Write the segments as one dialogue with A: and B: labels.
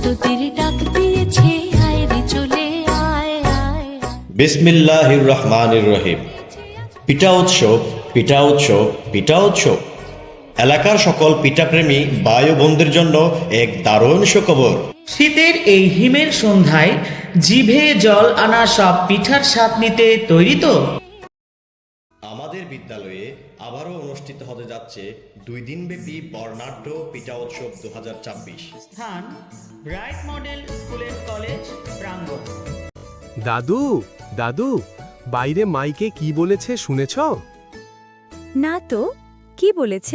A: প্রস্তুতির ডাক দিয়েছে, আয় রে চলে আয় আয়।
B: বিসমিল্লাহির রহমানির রহিম। পিঠা উৎসব, পিঠা উৎসব, পিঠা উৎসব। এলাকার সকল পিঠাপ্রেমী ভাই ও বোনদের জন্য এক দারুণ সুখবর।
C: শীতের এই হিমের সন্ধ্যায় জিভে জল আনা সব পিঠার স্বাদ নিতে তৈরি তো?
B: আমাদের বিদ্যালয়ে আবারও অনুষ্ঠিত হতে যাচ্ছে 2 দিনব্যাপী বর্ণাঢ্য পিঠা উৎসব 2024।
C: স্থান bright model school and college প্রাঙ্গণ।
D: দাদু দাদু, বাইরে মাইকে কি বলেছে শুনেছ?
E: না তো, কি বলেছে?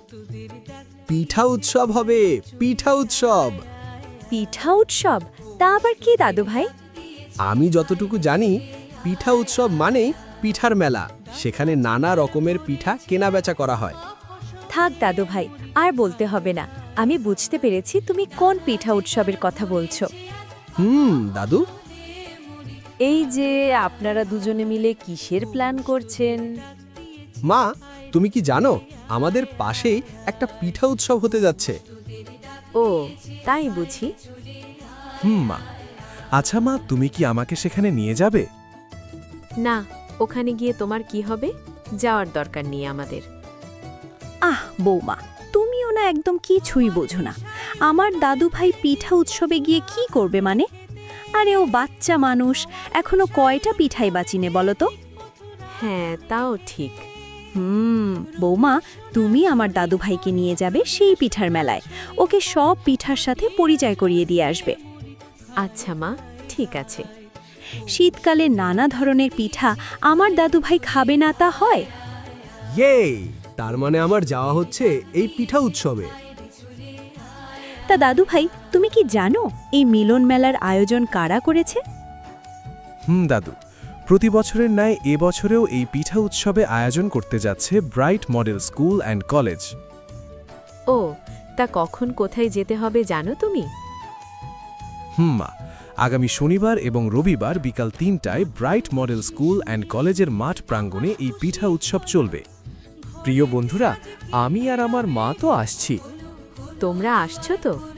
D: পিঠা উৎসব হবে, পিঠা উৎসব।
E: পিঠা উৎসব? তা আবার কি দাদু ভাই?
D: আমি যতটুকু জানি, পিঠা উৎসব মানেই পিঠার মেলা। সেখানে নানা রকমের পিঠা কেনাবেচা করা হয়।
E: থাক দাদু ভাই, আর বলতে হবে না। আমি বুঝতে পেরেছি তুমি কোন পিঠা উৎসবের কথা বলছো।
D: দাদু,
E: এই যে আপনারা দুজনে মিলে কিসের প্ল্যান করছেন?
D: মা, তুমি কি জানো আমাদের পাশেই একটা পিঠা উৎসব হতে যাচ্ছে?
E: ও, তাই বুঝি।
D: মা। আচ্ছা মা, তুমি কি আমাকে সেখানে নিয়ে যাবে?
E: না, ওখানে গিয়ে তোমার কি হবে? যাওয়ার দরকার নেই আমাদের। আহ বৌমা, তুমিও না একদম কিছুই বোঝো না। আমার দাদু ভাই পিঠা উৎসবে গিয়ে কি করবে মানে? আরে ও বাচ্চা মানুষ, এখনো কয়টা পিঠাই বাচিনে বলো তো? হ্যাঁ, তাও ঠিক। বৌমা, তুমি আমার দাদু ভাইকে নিয়ে যাবে সেই পিঠার মেলায়। ওকে সব পিঠার সাথে পরিচয় করিয়ে দিয়ে আসবে। আচ্ছা মা, ঠিক আছে। শীতকালে নানা ধরনের পিঠা আমার দাদু ভাই খাবে না তা হয়?
D: ইয়ে, তার মানে আমার যাওয়া হচ্ছে এই পিঠা উৎসবে।
E: তা দাদু ভাই, তুমি কি জানো এই মিলন মেলার আয়োজন কারা করেছে?
F: দাদু, প্রতি বছরের ন্যায় এবছরেও এই পিঠা উৎসবে আয়োজন করতে যাচ্ছে bright model school and college.
E: ও, তা কখন কোথায় যেতে হবে জানো তুমি?
F: মা, আগামী শনিবার এবং রবিবার বিকাল 3টায় ব্রাইট মডেল স্কুল অ্যান্ড কলেজের মাঠ প্রাঙ্গণে এই পিঠা উৎসব চলবে।
D: প্রিয় বন্ধুরা, আমি আর আমার মা তো আসছি।
E: তোমরা আসছো তো?